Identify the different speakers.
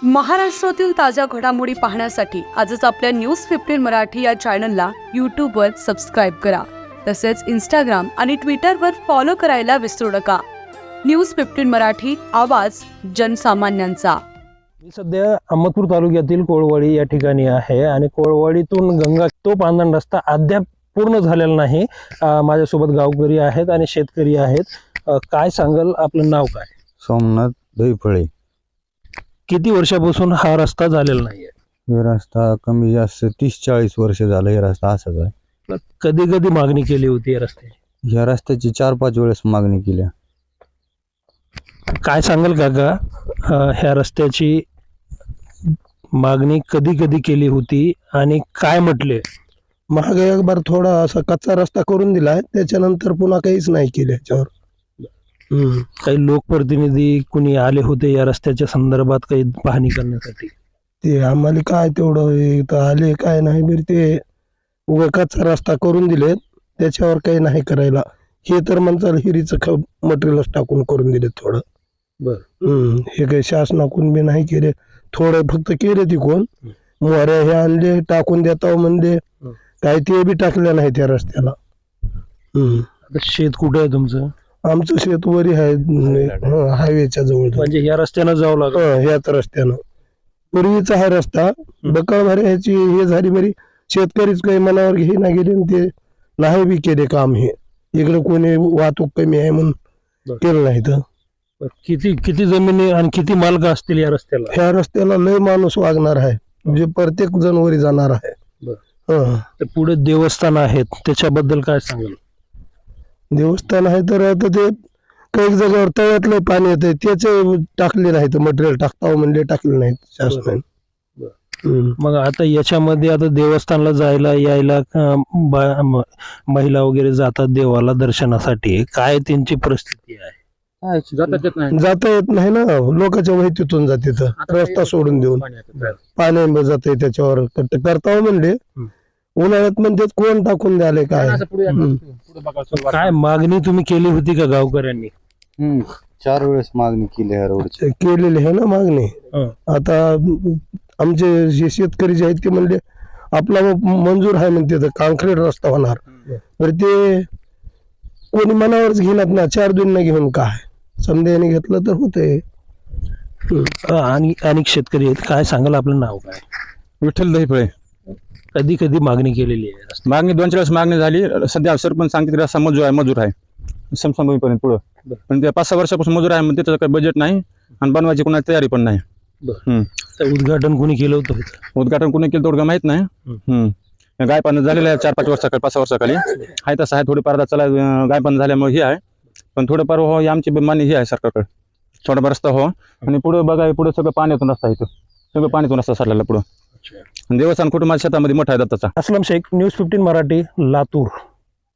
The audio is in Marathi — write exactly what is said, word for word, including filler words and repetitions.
Speaker 1: महाराष्ट्रातील ताज्या घडामोडी पाहण्यासाठी आजच आपल्या न्यूज फिफ्टीन मराठी या चॅनलला यूट्यूबवर सबस्क्राईब करा. तसेच इंस्टाग्राम आणि ट्विटरवर फॉलो करायला विसरू नका. न्यूज फिफ्टीन मराठी, आवाज जनसामान्यांचा.
Speaker 2: मी सध्या अहमदपूर तालुक्यातील कोळवाडी या ठिकाणी आहे आणि कोळवाडीतून गंगा तो पांदण रस्ता अद्याप पूर्ण झालेला नाही. माझ्यासोबत गावकरी आहेत आणि शेतकरी आहेत. काय सांगाल, आपलं नाव काय?
Speaker 3: सोमनाथ दहीफळे.
Speaker 2: किती वर्षापासून हा रस्ता झालेला नाहीये?
Speaker 3: हे रस्ता कमी जास्त तीस चाळीस वर्ष झालं हे रस्ता असाच आहे.
Speaker 2: कधी कधी मागणी केली होती या रस्त्याची?
Speaker 3: या रस्त्याची चार पाच वेळेस मागणी केली.
Speaker 2: काय सांगाल काका, ह्या रस्त्याची मागणी कधी कधी केली होती आणि काय म्हटले?
Speaker 4: मागे एक बार थोडा असा कच्चा रस्ता करून दिलाय, त्याच्यानंतर पुन्हा काहीच नाही केलं याच्यावर.
Speaker 2: काही लोकप्रतिनिधी कुणी आले होते या रस्त्याच्या संदर्भात काही पाहणी करण्यासाठी?
Speaker 4: ते आम्हाला काय तेवढं हे तर आले काय नाही बरं, ते उगा कच्चा रस्ता करून दिलेत, त्याच्यावर काही नाही करायला. हे तर म्हणतात हिरीचं ख मटेरियलच टाकून करून दिले थोडं.
Speaker 2: बर.
Speaker 4: हम्म हे काही शासनाकडून बी नाही केले, थोडे फक्त केले तिकून. मोऱ्या हे आणले टाकून देता म्हणजे काय ते बी टाकले नाही त्या रस्त्याला. हम्म
Speaker 2: आता शेत कुठे आहे तुमचं?
Speaker 4: आमचं शेत वरी आहे, हायवेच्या जवळ.
Speaker 2: म्हणजे या रस्त्यानं जावं लागलं?
Speaker 4: ह्याच रस्त्यानं. पूर्वीचा हा रस्ता बकळ भरायची हे झाली बरी, शेतकरीच काही मनावर घे ना गेले, ते नाही बी केले काम. हे इकडे कोणी वाहतूक कमी आहे म्हणून केलं नाही. तर
Speaker 2: किती किती जमिनी आणि किती मालक असतील या रस्त्याला?
Speaker 4: ह्या रस्त्याला लय माणूस वागणार आहे, म्हणजे प्रत्येक जण वरी जाणार आहे.
Speaker 2: तर पुढे देवस्थान आहेत, त्याच्याबद्दल काय सांगाल?
Speaker 4: देवस्थान आहे तर आता ते काही जागेवर तळ्यातलं पाणी येते, त्याचे टाकले नाही, तर मटेरियल टाकता म्हणजे टाकले नाहीत शासनाने.
Speaker 2: मग आता याच्यामध्ये आता देवस्थानला जायला यायला महिला वगैरे जातात देवाला दर्शनासाठी, काय त्यांची परिस्थिती आहे?
Speaker 4: जाता येत नाही ना, लोकांच्या वैतीतून जाते तर रस्ता सोडून देऊन पाणी जाते त्याच्यावर करता म्हणले. उन्हाळ्यात म्हणजे कोण टाकून द्याले काय?
Speaker 2: काय मागणी तुम्ही केली होती का गावकऱ्यांनी?
Speaker 3: चार वेळेस मागणी केली ह्या रोडची.
Speaker 4: केलेली आहे ना मागणी. आता आमचे जे शेतकरी जे आहेत ते म्हणले आपला मंजूर आहे म्हणते, तर काँक्रीट रस्ता होणार. तर ते कोणी मनावरच घेणार ना, चार दोन घेऊन काय समजाने घेतलं तर होतंय.
Speaker 2: आणि अनेक शेतकरी आहेत, काय सांगाल, आपलं नाव काय?
Speaker 3: विठ्ठल दहीफळे.
Speaker 2: कधी कधी मागणी केलेली आहे?
Speaker 3: मागणी दोन चार वेळेस मागणी झाली. सध्या सरपंच सांगते रस्ता मजूर आहे मजूर आहे समसमपर्यंत पुढं, पण ते पाच सहा वर्षापासून मजूर आहे म्हणजे त्याचं काही बजेट नाही आणि बनवायची कोणाची तयारी पण नाही.
Speaker 2: तर उद्घाटन कोणी केलं होतं?
Speaker 3: उद्घाटन कोणी केलं तेवढं माहित नाही. हम्म गायपान झालेलं आहे चार पाच वर्षाखाली पाच सहा वर्षाखाली आहे. तसं आहे थोडीफार आता चला गायपान झाल्यामुळे हे आहे, पण थोडंफार हो ही आमची मान्य ही आहे सरकारकडे, थोडाफार रस्ता हो. आणि पुढे बघा, पुढे सगळं पाण्यातून रस्ता आहे, सगळं पाण्यातून रस्ता सरलेला पुढं. देवस्थान कुटुंबाच्या शेतामध्ये मोठा आहे दत्ताचा.
Speaker 2: Aslam Shaikh, news fifteen Marathi, Latur.